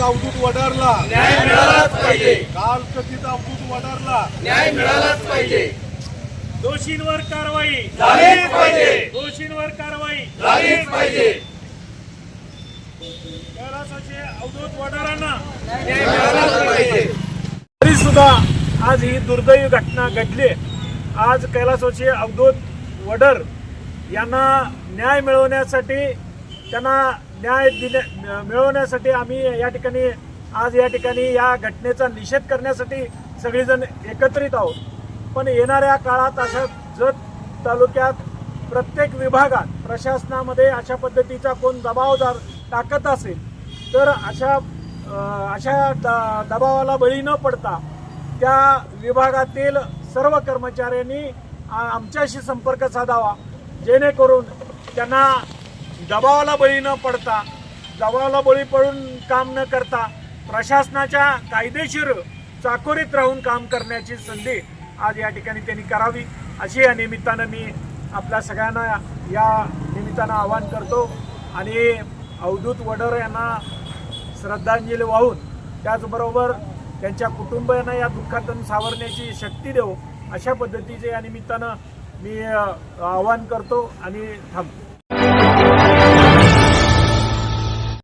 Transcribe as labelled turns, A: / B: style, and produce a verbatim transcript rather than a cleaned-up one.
A: अवधूत वडारला
B: न्याय मिळालाच पाहिजे.
A: काल कथित अवधूत वडारला
B: न्याय मिळालाच पाहिजे.
C: दोषींवर कारवाई
B: झालीच पाहिजे.
C: दोषींवर कारवाई
B: झालीच पाहिजे.
C: कैलासाचे अवधूत वडारांना
B: न्याय मिळालाच पाहिजे.
C: तरी सुद्धा आज ही दुर्दैवी घटना घडली. आज कैलासाचे अवधूत वडर यांना न्याय मिळवण्यासाठी त्यांना न्याय दिले मिळवण्यासाठी आम्ही या ठिकाणी आज या ठिकाणी या घटनेचा निषेध करण्यासाठी सगळेजण एकत्रित आहोत. पण येणाऱ्या काळात अशा जत तालुक्यात प्रत्येक विभागात प्रशासनामध्ये अशा पद्धतीचा कोण दबावदार टाकत असेल तर अशा अशा द दबावाला बळी न पडता त्या विभागातील सर्व कर्मचाऱ्यांनी आमच्याशी संपर्क साधावा, जेणेकरून त्यांना दबावाला बळी न पडता दबावाला बळी पडून काम न करता प्रशासनाच्या कायदेशीर चाकोरीत राहून काम करण्याची संधी आज या ठिकाणी त्यांनी करावी, अशी या निमित्तानं मी आपल्या सगळ्यांना या निमित्तानं आवाहन करतो. आणि अवधूत वडर यांना श्रद्धांजली वाहून त्याचबरोबर त्यांच्या कुटुंबियांना या दुःखातून सावरण्याची शक्ती देऊ, अशा पद्धतीचे या निमित्तानं मी आवाहन करतो आणि थांबतो.